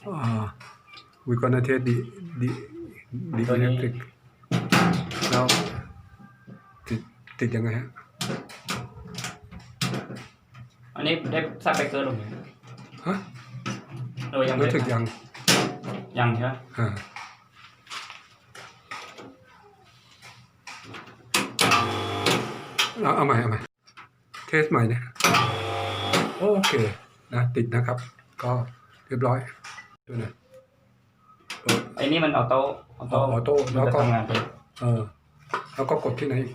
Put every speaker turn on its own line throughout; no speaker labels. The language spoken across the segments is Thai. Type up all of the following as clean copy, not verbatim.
we're gonna test the
ตัวนี้
electric แล้วติดยังไงฮะ
อันนี้ได้ซับไปเกินหรือยัง
ฮะ
โดยยังไม่
รู้สึกยัง
ยังใช่ไหม
เอาใหม่เทสใหม่เนี่ยโอเคนะติดนะครับ ก็เรียบร้อยดูหน่อย
ไอ้นี่มันออโต้
แล้วก็
ทำงานไป
แล้วก็กดที่ไหนอีก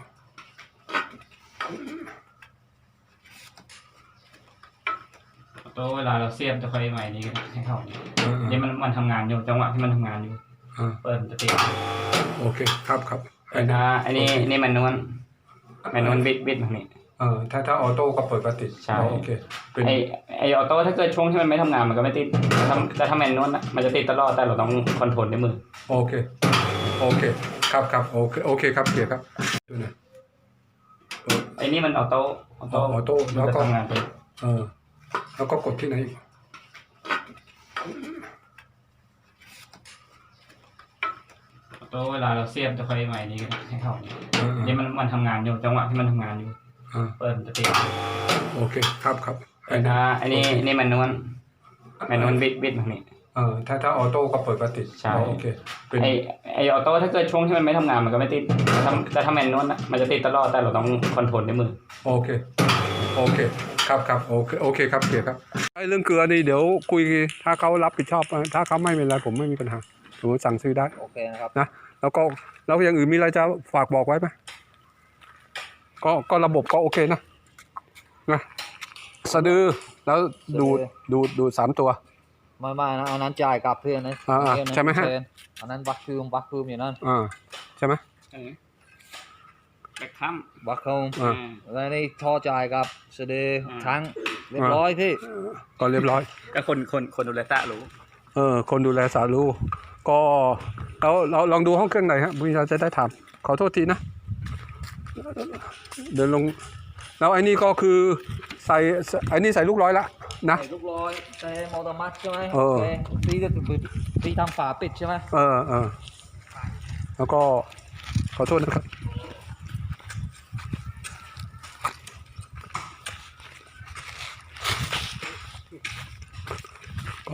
ออโต้เวลาเราเสียบจะค่อยใหม่นี้กันให้เข้านี่มันทำงานอยู่จังหวะที่มันทำงานอยู่เปิดจะติด
โอเคครับ
อันนี้มันนวลบิดแบบนี้
ถ้าออโต้ก็เปิดปกติ
ใช่
โอเคเป็น
ไอออโต้ถ้าเกิดช่วงที่มันไม่ทำงานมันก็ไม่ติดแต่ถ้าแมนนวลมันจะติดตลอดแต่เราต้องคอนโทรลด้วยมือ
โอเคครับโอเคครับเกียร์ครับดูหน่อย
ไอ้นี่มันออโต้
แล้วก็
ทำงานไป
แล้วก็กดที่ไหนอีก
ออโต้เวลาเราเสียบจะค่อยใหม่นี้กันให้เข้านี่มันทำงานอยู่จังหวะที่มันทำงานอยู่เปิดจะติด
โอเคครับ
อันนี้มันนวลบิดแบบนี้
ถ้าออโต้ก็เปิดปกติ
ใช่
โอเคเป็น
ไอออโต้ถ้าเกิดช่วงที่มันไม่ทำงานมันก็ไม่ติดแต่ถ้าแมนนวลมันจะติดตลอดแต่เราต้องคอนโทรลด้วยมือ
โอเคครับโอเคครับเกียร์ครับไอ้เรื่องเกลือนี่เดี๋ยวคุยถ้าเขารับผิดชอบถ้าเขาไม่เป็นไรผมไม่มีปัญหาผมสั่งซื้อได้
โอเคนะครับ
นะแล้วอย่างอื่นมีอะไรจะฝากบอกไว้ไหมก็ระบบก็โอเคนะสะดือแล้วดูด3 ตัว
ไม่นะอันนั้นจ่ายกลับเพื่อนนะ
ใช่ไหมฮะ
อันนั้นบัคคืมอยู่นั่น
ใช่ไหม
แบกคัม
บัคคืมแล้วนี่ท่อจ่ายกับสะดือทั้งเรียบร้อยพี่
ก็เรียบร้อย
ก็คนดูแลตารู้
คนดูแลสารู้ก็เราลองดูห้องเครื่องไหนฮะพี่เราจะได้ถามขอโทษทีนะเดินลงแล้วไอ้นี่ก็คือใส่ลูกร้อยละนะ
ใส่ลูกร้อยใส่มอเตอร์มัสใช่ไหมตีทำฝาปิดใช่ไหม
แล้วก็ขอโทษนะครับก็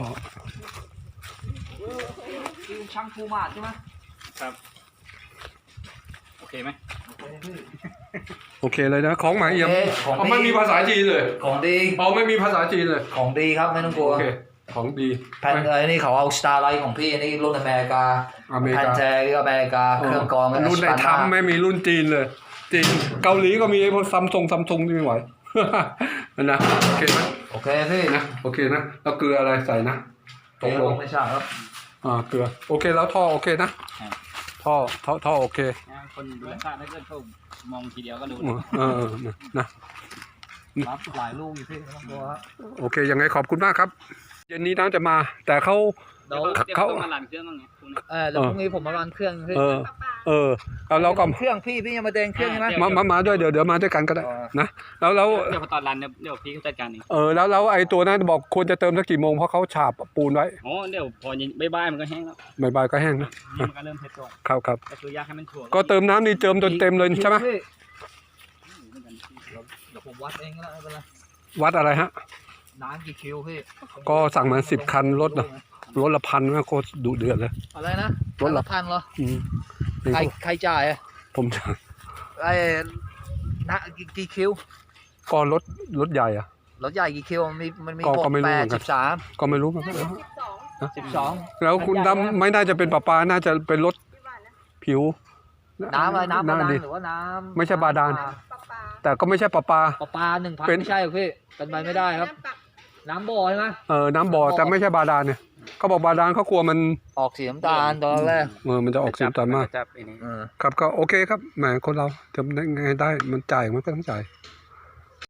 ช่างภูมาใช่ไหม
ครับโอเคไหม
โอเคเลยนะของใหม่ยังไม่มีภาษาจีนเลย
ของดี
ไม่มีภาษาจีนเลย
ของดีครับไม่ต้องกลัว
ของดี
แผ่นนี่เขาเอาสตาร์ไลท์ของพี่นี่รุ่นอเมริกาแผ่นแท้ก็อเมริกาเครื่องกรอง
รุ่นไหนทำไม่มีรุ่นจีนเลยจีนเกาหลีก็มีพวกซัมซุงที่ไม่ไหวนะโอเคไหม
โอเคพี่
นะโอเคนะแล้วเกลืออะไรใส่นะ
ตรงลงไม่ใช่ครับ
เกลือโอเคแล้วท่อโอเคนะท่อโอเค
คนดูแลถ้าเกิดเขามองทีเดียวก็ดู
นะ
รับหลายลูกอยู่พี่ต้องดูครับ
โอเคยังไงขอบคุณมากครับเย็นนี้น้ำจะมาแต่เขา
ต้องมาลันเครื่องบ้างไง
เดี๋ยวพรุ่งนี้ผมมารันเครื่องพี่
เราก็
เครื่องพี่ยังมาเดินเครื่องใช่ไหม
มาด้วยเดี๋ยวมาด้วยกันก็ได้นะแล้ว
เดี๋ยวพอตอนรันเดี๋ยวพี่เขาจัดการเอง
แล้วไอ้ตัวนั้นบอกควรจะเติมสักกี่โมงเพราะเขาฉาบปูนไว้
เดี๋ยวพอบ่ายมันก็แห้งแล้ว
บ่ายก็แห้งนะ
มันก็เริ่มเผ็ดก่อน
ครับ
ก็คือยากให้มันถั่ว
ก็เติมน้ำนี่เติมจนเต็มเลยใช่ไหม
เดี๋ยวผมวัดเองก็ได้ไม่เป็นไร
วัดอะไรฮะ
น้ำกี่คิวพี่
ก็สั่งมา10 คันรถละ1,000นะโคตรดุเดือดเลย
อะไรนะรถละ1,000เหรอใครจ่าย
ผมจ่าย
นะกี่คิว
ก็รถใหญ่
รถใหญ่กี่คิวมันมี
13ก็ไม่รู้มัน
12
แล้วคุณดำไม่น่าจะเป็นปลาน่าจะเป็นรถผิว
น้ำอะไรน้ำบาดาลหรือว่าน้ำ
ไม่ใช่บาดาลแต่ก็ไม่ใช่ปลา
1,000ไม่ใช่หรอพี่เป็นไปไม่ได้ครับน้ำบ่อใช่ไหม
น้ำบ่อแต่ไม่ใช่บาดาลเนี่ยเขาบอกบาดาลเขากลัวมัน
ออกสีน้ำตาลตอนแรก
มันจะออกสีน้ำตาลมากครับก็โอเคครับแหมคนเราทำได้ไงได้มันจ่ายมันก็ต้องจ่าย